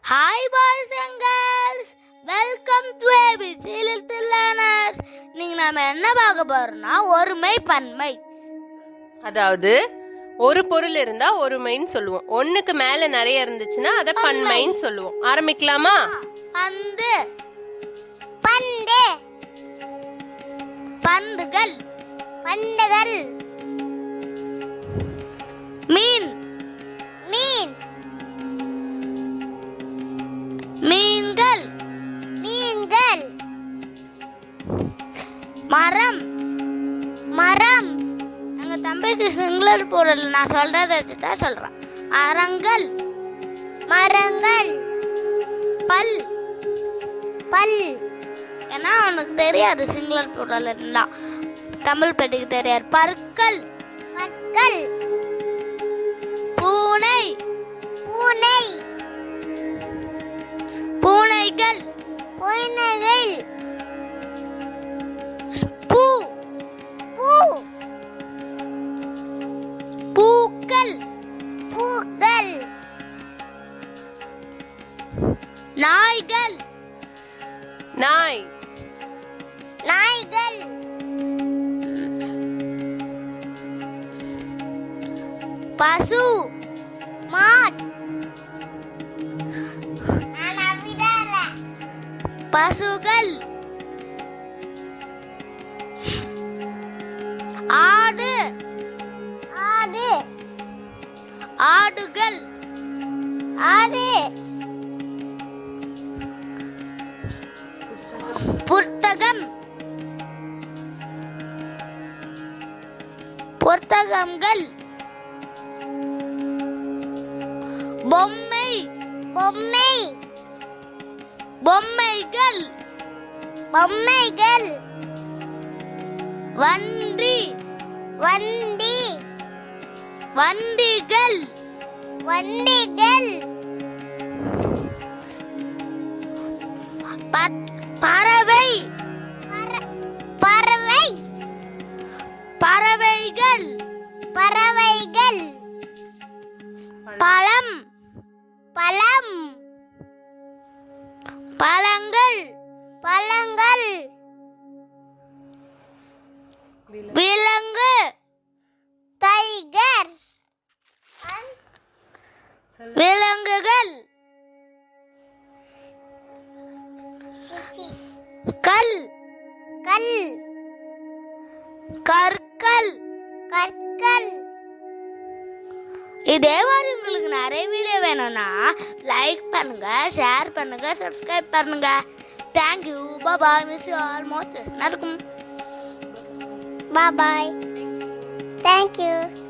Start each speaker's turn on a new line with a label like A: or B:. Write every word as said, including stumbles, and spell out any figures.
A: Hi boys and girls, welcome to ABC little learners. நீங்க நாம என்ன பார்க்க போறோம்னா ஒருமை பன்மை.
B: அதாவது ஒரு பொருள் இருந்தா ஒருமைன்னு சொல்லுவோம், ஒண்ணுக்கு மேல நிறைய இருந்துச்சுன்னா அத பன்மைன்னு சொல்லுவோம். ஆரம்பிக்கலாமா?
A: பந்து, பண்டு, பந்துகள், பண்டுகள். மீன், மீன், மீன்கள், மீன்கள். மரம், மரம். எங்க தம்பிக்கு சிங்குலர் பொருள் நான் சொல்றத வச்சுதான் சொல்றேன். மரங்கள், மரங்கள். பல், பல். ஏன்னா அவனுக்கு தெரியாது சிங்குலர் பொருள் எல்லாம், தமிழ் பெட்டிக்கு தெரியாது. பற்கள், பற்கள். பூனை, பூனை, பூனைகள், பூனைகள். பூ, பூ, பூக்கள், பூக்கள். நாய்கள்,
B: நாய்,
A: நாய்கள். பசு, மாட். பசுகள். ஆடு, ஆடு, ஆடுகள், ஆடு. புத்தகம், புத்தகங்கள். பொம்மை, பொம்மை, பொம்மைகள், பொம்மைகள். வண்டி, வண்டி, வண்டிகள், வண்டிகள். பறவை, பறவை, பறவைகள், பறவைகள். பழம், பழம், பழங்கள், பழங்கள். விலங்கு, டைகர், விலங்குகள். கல், கல், கற்கள், கற்கள். இதே மாதிரி உங்களுக்கு நிறைய வீடியோ வேணும்னா லைக் பண்ணுங்க, ஷேர் பண்ணுங்க, சப்ஸ்கிரைப் பண்ணுங்க. Thank you, bye. Miss you all. Most இருக்கும். Bye, thank you.